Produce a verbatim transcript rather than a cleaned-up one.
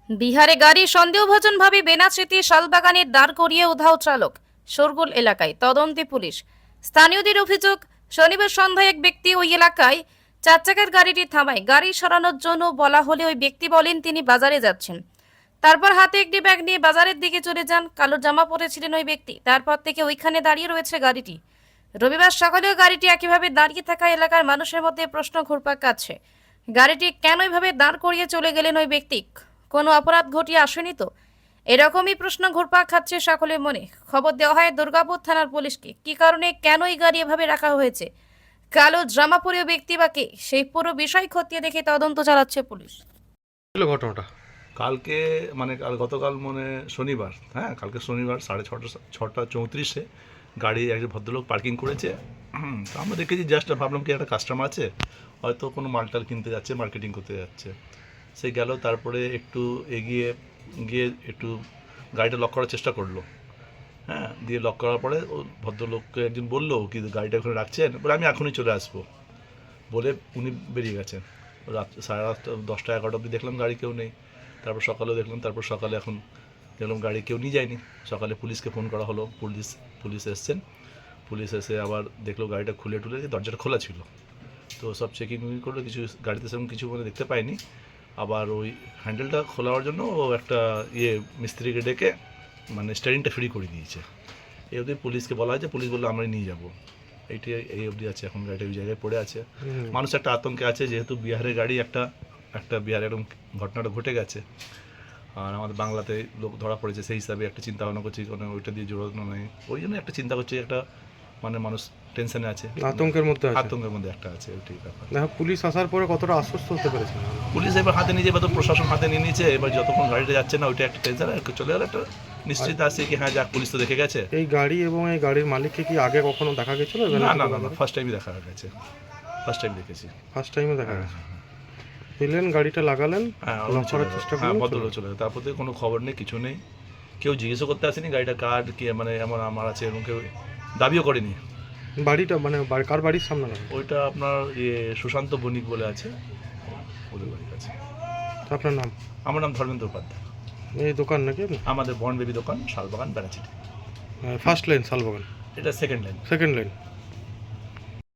বিহারে গাড়ি সন্দেহভাজনভাবে বেনাচিতি শালবাগানে দাঁড় করিয়ে উধাও চালক, শোরগোল এলাকায়, তদন্তে পুলিশ। স্থানীয়দের অভিযোগ, শনিবার সন্ধ্যায় এক ব্যক্তি ওই এলাকায় চার চাকার গাড়িটি থামায়। গাড়ি সরানোর জন্য বলা হলে ওই ব্যক্তি বলেন তিনি বাজারে যাচ্ছেন। তারপর হাতে একটি ব্যাগ নিয়ে বাজারের দিকে চলে যান। কালো জামা পরেছিলেন ওই ব্যক্তি। তারপর থেকে ওইখানে দাঁড়িয়ে রয়েছে গাড়িটি। রবিবার সকালেও গাড়িটি একইভাবে দাঁড়িয়ে থাকা এলাকার মানুষের মধ্যে প্রশ্ন ঘুরপাক খাচ্ছে, গাড়িটি কেন এইভাবে দাঁড় করিয়ে চলে গেলেন ওই ব্যক্তি? কোনো অপরাধ ঘটিয়ে আসেনি তো? এরকমই প্রশ্ন ঘুরপাক খাচ্ছে সকলের মনে। খবর দেওয়া হয় দুর্গাপুর থানার পুলিশকে। কি কারণে, কেন এই গাড়ি এভাবে রাখা হয়েছে, কালো জামা পরে ব্যক্তি বা কে, সেই পুরো বিষয় খতিয়ে দেখে তদন্ত চালাচ্ছে পুলিশ। ছিল ঘটনাটা কালকে মানে কাল গতকাল মানে শনিবার, হ্যাঁ কালকে শনিবার সাড়ে ছটা ছটা চৌত্রিশে গাড়ি একজন ভদ্রলোক পার্কিং করেছে। তো আমরা দেখেছি, জাস্ট ভাবলাম কি একটা কাস্টমার আছে, হয়তো কোনো মালটাল কিনতে যাচ্ছে, মার্কেটিং করতে যাচ্ছে। সে গেল, তারপরে একটু এগিয়ে গিয়ে একটু গাড়িটা লক করার চেষ্টা করলো। হ্যাঁ, দিয়ে লক করার পরে ও ভদ্রলোককে একজন বললো কি গাড়িটা ওখানে রাখছেন, বলে আমি এখনই চলে আসবো বলে উনি বেরিয়ে গেছেন। রাত সাড়ে আটটা দশটা এগারোটা অবধি দেখলাম গাড়ি কেউ নেই। তারপর সকালেও দেখলাম, তারপর সকালে এখন দেখলাম গাড়ি কেউ নিয়ে যায়নি। সকালে পুলিশকে ফোন করা হলো, পুলিশ পুলিশ এসছেন। পুলিশ এসে আবার দেখলো গাড়িটা খুলে টুলে, দরজাটা খোলা ছিল। তো সব চেকিং করলো, কিছু গাড়িতে সেরকম কিছু মানে দেখতে পাইনি। আবার ওই হ্যান্ডেলটা খোলার জন্য ও একটা ইয়ে মিস্ত্রিকে ডেকে মানে স্টিয়ারিংটা ফ্রি করে দিয়েছে। এই অবধি পুলিশকে বলা হয়েছে, পুলিশ বললো আমরা নিয়ে যাবো। এইটি এই অবধি আছে, এখন গাড়িটা ওই জায়গায় পড়ে আছে। মানুষ একটা আতঙ্কে আছে, যেহেতু বিহারের গাড়ি, একটা একটা বিহারে এরকম ঘটনাটা ঘটে গেছে, আর আমাদের বাংলাতে লোক ধরা পড়েছে, সেই হিসাবে একটা চিন্তা ভাবনা করছি, কোনো ওইটা দিয়ে জোড়ানো নেই, ওই জন্য একটা চিন্তা করছি, একটা মানে মানুষ টেনশনে আছে, আতঙ্কের মধ্যে আছে। আতঙ্কের মধ্যে একটা আছে, ওইটাই ব্যাপার। দেখো পুলিশ আসার পরে কতটা আশ্বস্ত হতে পেরেছে? পুলিশ এবার হাতে নিয়ে, এবার তো প্রশাসন হাতে নিয়ে নিয়েছে। এবার যতক্ষণ গাড়িটা যাচ্ছে না, ওইটা একটা টেনশন, চলে গেলে একটা নিশ্চিত আছে কি হ্যাঁ যাক, পুলিশ তো দেখে গেছে। এই গাড়ি এবং এই গাড়ির মালিককে কি আগে কখনো দেখা গেছিল? না না না, ফার্স্ট টাইমই দেখা গেছে, ফার্স্ট টাইম দেখেছি। ফার্স্ট টাইমে দেখা গেছে। এলেন, গাড়িটা লাগালেন, হ্যাঁ লক করার চেষ্টা হ্যাঁ করলেন, ভদ্রলোক চলে গেল। তারপর থেকে কোনো খবর নেই, কিছু নেই, কেউ জিজ্ঞেসও করতে আসেনি গাড়িটা কার কি, মানে এমন আমার আছে এবং কেউ দাবিও করেনি। বাড়িটা মানে বাড়ি- কার বাড়ির সামনে লাগালেন? ওইটা আপনার ইয়ে সুশান্ত বণিক বলে আছে, ওদের বাড়ির কাছে। আপনার নাম? আমার নাম ধর্মেন্দ্র উপাধ্যায়। এই দোকান নাকি আমাদের বন বেবি দোকান, শালবাগান, বেড়াচিটি। ফার্স্ট লাইন শালবাগান, এটা সেকেন্ড লাইন। Second line.